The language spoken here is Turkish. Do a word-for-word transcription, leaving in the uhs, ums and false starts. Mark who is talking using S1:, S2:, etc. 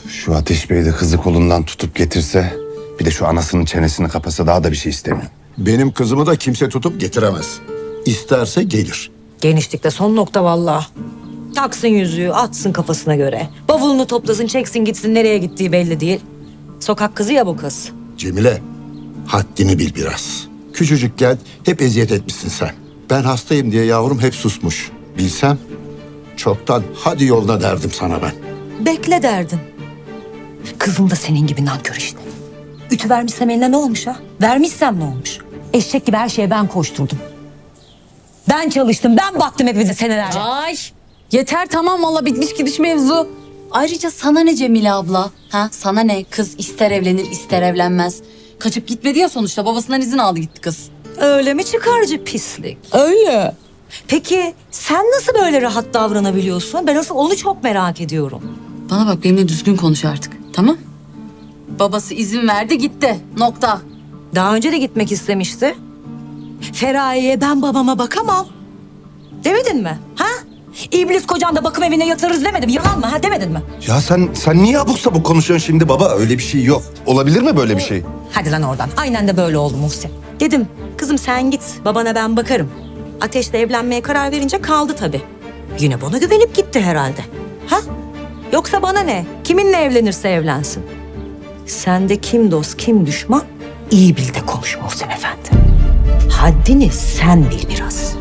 S1: Şu Ateş Bey de kızı kolundan tutup getirse, bir de şu anasının çenesini kapasa, daha da bir şey istemiyorum.
S2: Benim kızımı da kimse tutup getiremez. İsterse gelir.
S3: Genişlikte son nokta vallahi. Taksın yüzüğü, atsın kafasına göre. Bavulunu toplasın, çeksin gitsin, nereye gittiği belli değil. Sokak kızı ya bu kız.
S2: Cemile, haddini bil biraz. Küçücükken hep eziyet etmişsin sen. Ben hastayım diye yavrum hep susmuş. Bilsem çoktan hadi yoluna derdim sana ben.
S3: Bekle derdin. Kızım da senin gibi nankör işte. Ütü vermişsem eline ne olmuş ha? Vermişsem ne olmuş? Eşek gibi her şeye ben koşturdum. Ben çalıştım, ben baktım hepinize senelerce.
S4: Ay yeter tamam valla bitmiş gidiş mevzu. Ayrıca sana ne Cemile abla? Ha sana ne? Kız ister evlenir ister evlenmez. Kaçıp gitmedi ya sonuçta babasından izin aldı gitti kız.
S3: Öyle mi çıkarcı pislik?
S4: Öyle.
S3: Peki sen nasıl böyle rahat davranabiliyorsun? Ben asıl onu çok merak ediyorum.
S4: Bana bak benimle düzgün konuş artık tamam? Babası izin verdi gitti nokta.
S3: Daha önce de gitmek istemişti. Feraye'ye ben babama bakamam. Demedin mi? Ha? İblis kocan da bakım evine yatırırız demedim. Yalan mı? Ha demedin mi?
S1: Ya sen sen niye abuk sabuk konuşuyorsun şimdi baba? Öyle bir şey yok. Olabilir mi böyle bir şey?
S3: Hadi lan oradan. Aynen de böyle oldu Muhsin. Dedim kızım sen git. Babana ben bakarım. Ateş'le evlenmeye karar verince kaldı tabii. Yine bana güvenip gitti herhalde. Ha? Yoksa bana ne? Kiminle evlenirse evlensin. Sen de kim dost kim düşman iyi bil de konuş Muhsin Efendi. Haddini sen bil biraz.